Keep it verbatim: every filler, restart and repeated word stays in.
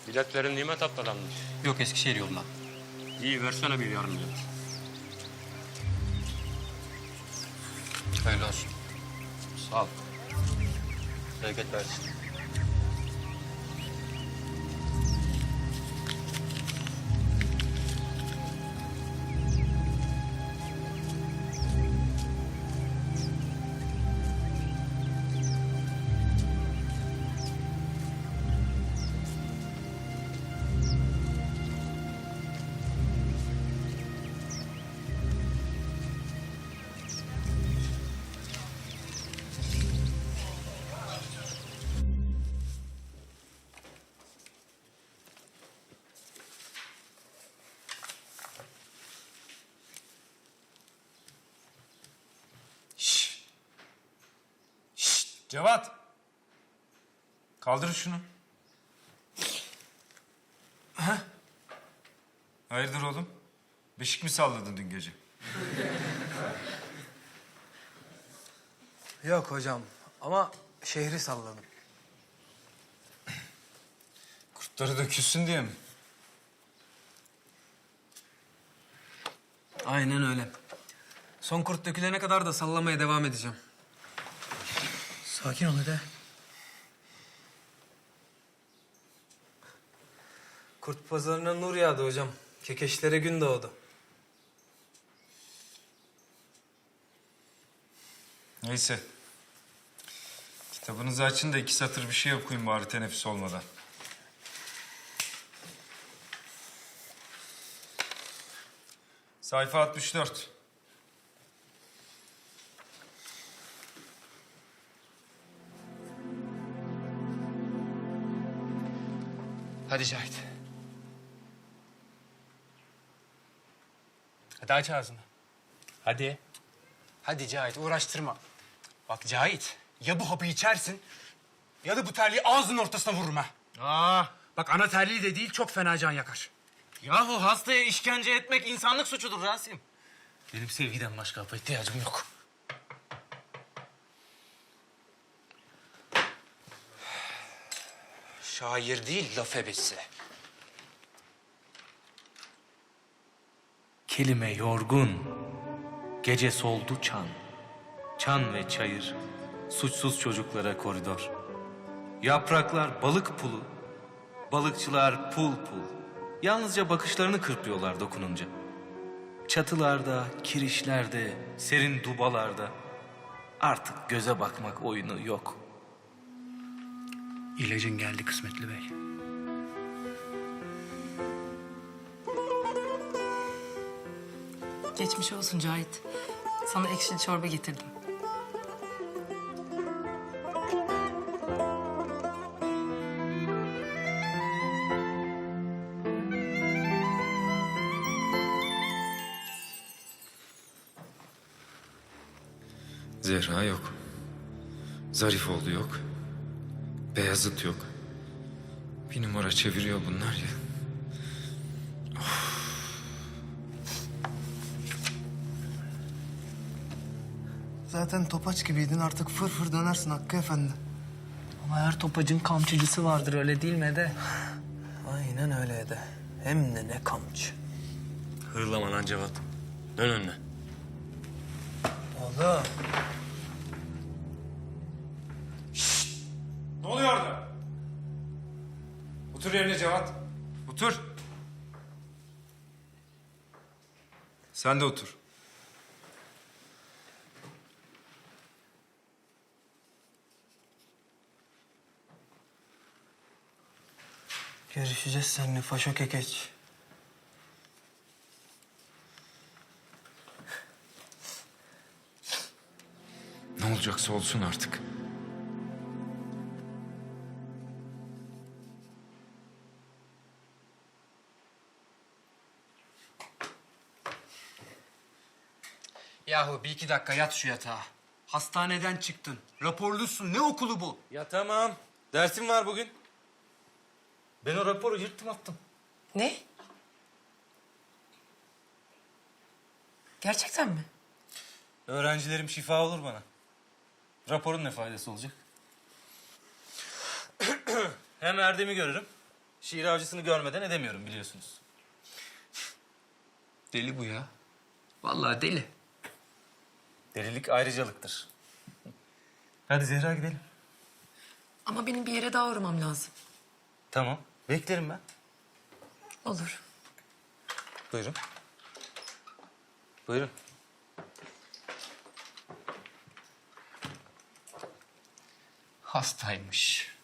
Biletlerin nimet atladanmış. Yok, Eskişehir yolundan. İyi, versene bir yarım bilet. Hayırlı olsun. Sağ ol. Bereket versin. Cevat! Kaldır şunu. Ha? Hayırdır oğlum? Beşik mi salladın dün gece? Yok hocam ama şehri salladım. Kurtları dökülsün diye mi? Aynen öyle. Son kurt dökülene kadar da sallamaya devam edeceğim. Sakin ol hadi. Kurt pazarına nur yağdı hocam. Kekeşlere gün doğdu. Neyse. Kitabınızı açın da iki satır bir şey okuyun bari teneffüs olmadan. Sayfa altmış dört. Hadi Cahit. Hadi aç ağzını. Hadi. Hadi Cahit, uğraştırma. Bak Cahit, ya bu hapı içersin ya da bu terliği ağzının ortasına vururum ha. Aa, Bak ana terliği de değil, çok fena can yakar. yahu hastaya işkence etmek insanlık suçudur Rasim. Benim sevgiden başka hapa ihtiyacım yok. Şair değil, laf ebesi. Kelime yorgun, gece soldu çan. Çan ve çayır, suçsuz çocuklara koridor. Yapraklar balık pulu, balıkçılar pul pul. Yalnızca bakışlarını kırpıyorlar dokununca. Çatılarda, kirişlerde, serin dubalarda artık göze bakmak oyunu yok. İlacın geldi kısmetli bey. Geçmiş olsun Cahit. Sana ekşili çorba getirdim. Zehra yok. Zarifoğlu yok. Beyazıt yok. Bir numara çeviriyor bunlar ya. Zaten topaç gibiydin artık fır fır dönersin Hakkı Efendi. Ama her topacın kamçıcısı vardır öyle değil mi Ede? Aynen öyle de. Hem de ne kamçı. Hırlama lan Cevat. Dön önüne. Oğlum. Ne oluyor orada? Otur yerine Cevat. Otur. Sen de otur. Görüşeceğiz seninle faşo kekeç. Ne olacaksa olsun artık. Yahu bir iki dakika yat şu yatağa. Hastaneden çıktın. Raporlusun. Ne okulu bu? Ya tamam, dersim var bugün. Ben o raporu yırttım attım. Ne? Gerçekten mi? Öğrencilerim şifa olur bana. Raporun ne faydası olacak? Hem Erdem'i görürüm, Şiir avcısını görmeden edemiyorum biliyorsunuz. Deli bu ya. Vallahi deli. Delilik ayrıcalıktır. Hadi Zehra gidelim. Ama benim bir yere daha uğramam lazım. Tamam. Beklerim ben. Olur. Buyurun. Buyurun. Hastaymış.